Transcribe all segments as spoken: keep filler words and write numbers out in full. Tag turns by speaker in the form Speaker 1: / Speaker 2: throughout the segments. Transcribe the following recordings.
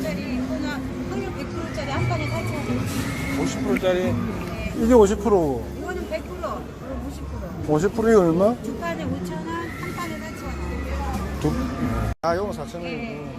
Speaker 1: 퍼센트짜리 이거는 확률 백 퍼센트짜리 한 판에 사천 원.
Speaker 2: 오십 퍼센트짜리.
Speaker 1: 네.
Speaker 3: 이게 오십 퍼센트.
Speaker 1: 이거는 백 퍼센트, 이거 오십 퍼센트.
Speaker 3: 오십 퍼센트 이거 얼마?
Speaker 1: 두 판에 오천 원, 한 판에 사천 원.
Speaker 3: 두. 아, 이거 사천 원.
Speaker 1: 네.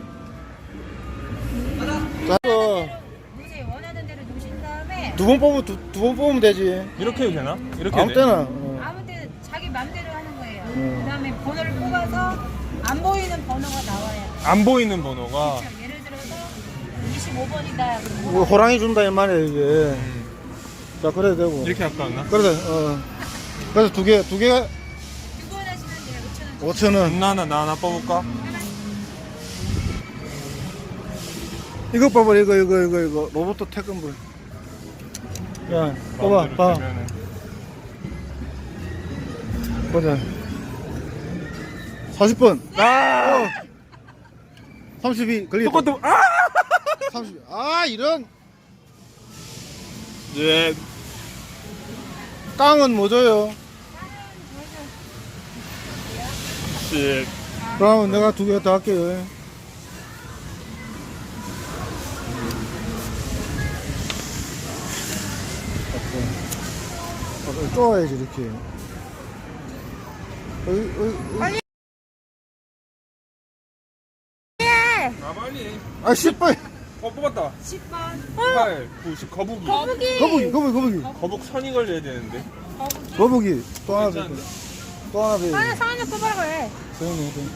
Speaker 3: 자, 이거
Speaker 1: 놓으세요. 원하는 대로 놓으신 다음에
Speaker 3: 두 번 뽑으면 두 번 뽑으면 되지.
Speaker 2: 이렇게 해도 되나? 이렇게
Speaker 3: 아무
Speaker 2: 해도 돼?
Speaker 3: 때나. 어.
Speaker 1: 아무 때 자기 맘대로 하는 거예요.
Speaker 3: 음.
Speaker 1: 그다음에 번호를 뽑아서 안 보이는 번호가 나와요.
Speaker 2: 안 보이는 번호가.
Speaker 1: 그렇죠. 예를 들어서 이십오 번이다.
Speaker 3: 뭐 호랑이 준다 이 말이야 이게.
Speaker 2: 음,
Speaker 3: 자, 그래도 되고.
Speaker 2: 이렇게 할까 하나?
Speaker 3: 그래서 어. 그래서 두 개, 두 개가
Speaker 1: 두 번 하시면 돼요. 오천 원.
Speaker 3: 오천 원.
Speaker 2: 나 하나 나 하나 뽑을까?
Speaker 3: 이거 봐봐, 이거, 이거, 이거, 이거. 로봇 태권볼. 야, 봐봐,
Speaker 2: 마음대로
Speaker 3: 봐.
Speaker 2: 되면은.
Speaker 3: 보자. 사십 번.
Speaker 2: 아!
Speaker 3: 어. 삼십이 걸리겠다.
Speaker 2: 똑같은 아!
Speaker 3: 삼십. 아, 이런.
Speaker 2: 예.
Speaker 3: 깡은 뭐 줘요?
Speaker 2: 씨.
Speaker 3: 그러면 내가 두 개 더 할게요. 아, 쪼아야지, 이렇게. 어이, 어이, 어이.
Speaker 2: 아 빨리.
Speaker 3: 아, 십 번.
Speaker 2: 어 뽑았다.
Speaker 1: 십 번.
Speaker 2: 팔, 구, 십 거북이.
Speaker 1: 거북이.
Speaker 3: 거북이, 거북이, 거북이.
Speaker 2: 거북 선이 걸려야 되는데.
Speaker 1: 거북이.
Speaker 3: 거북이. 또 하나 더.
Speaker 2: 괜찮은데?
Speaker 3: 또 하나 더.
Speaker 1: 아니, 상한이 뽑으라고 해.
Speaker 3: 서현이, 서현이.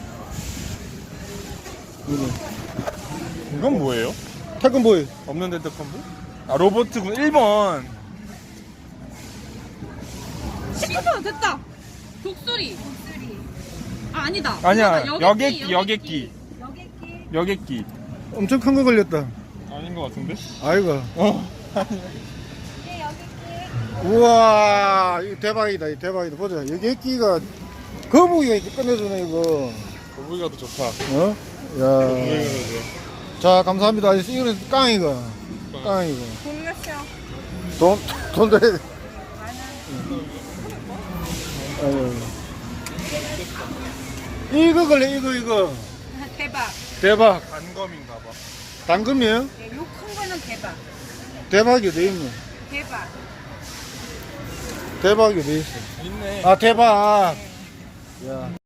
Speaker 3: 이거.
Speaker 2: 이건 뭐예요?
Speaker 3: 태권보이.
Speaker 2: 없는 데드 컴보? 아 로보트군 일 번.
Speaker 4: 십구 번 됐다. 독수리.
Speaker 1: 독수리.
Speaker 4: 아 아니다.
Speaker 2: 아니야
Speaker 4: 이거다.
Speaker 2: 여객기 여객기
Speaker 1: 여객기.
Speaker 2: 여객기.
Speaker 3: 엄청 큰 거 걸렸다.
Speaker 2: 아닌 것 같은데?
Speaker 3: 아이고.
Speaker 2: 어.
Speaker 1: 예, 여객기.
Speaker 3: 우와, 이거 대박이다, 이거 대박이다. 보자. 여기 애끼가, 거북이가 이렇게 끝내주네, 이거.
Speaker 2: 거북이가 더 좋다.
Speaker 3: 어? 야.
Speaker 2: 거북이가 더 좋아.
Speaker 3: 자, 감사합니다. 이거는 깡이가. 깡이가.
Speaker 4: 돈 냈어요.
Speaker 3: 돈, 돈 드려야 돼. 아유. 이거 걸려, 이거, 이거.
Speaker 1: 대박.
Speaker 3: 대박.
Speaker 2: 단검인가 봐.
Speaker 3: 당금이에요?
Speaker 1: 예, 요 큰 거는 대박.
Speaker 3: 대박이 돼 있네.
Speaker 1: 대박.
Speaker 3: 대박이 돼 있어.
Speaker 2: 있네.
Speaker 3: 아, 대박. 야.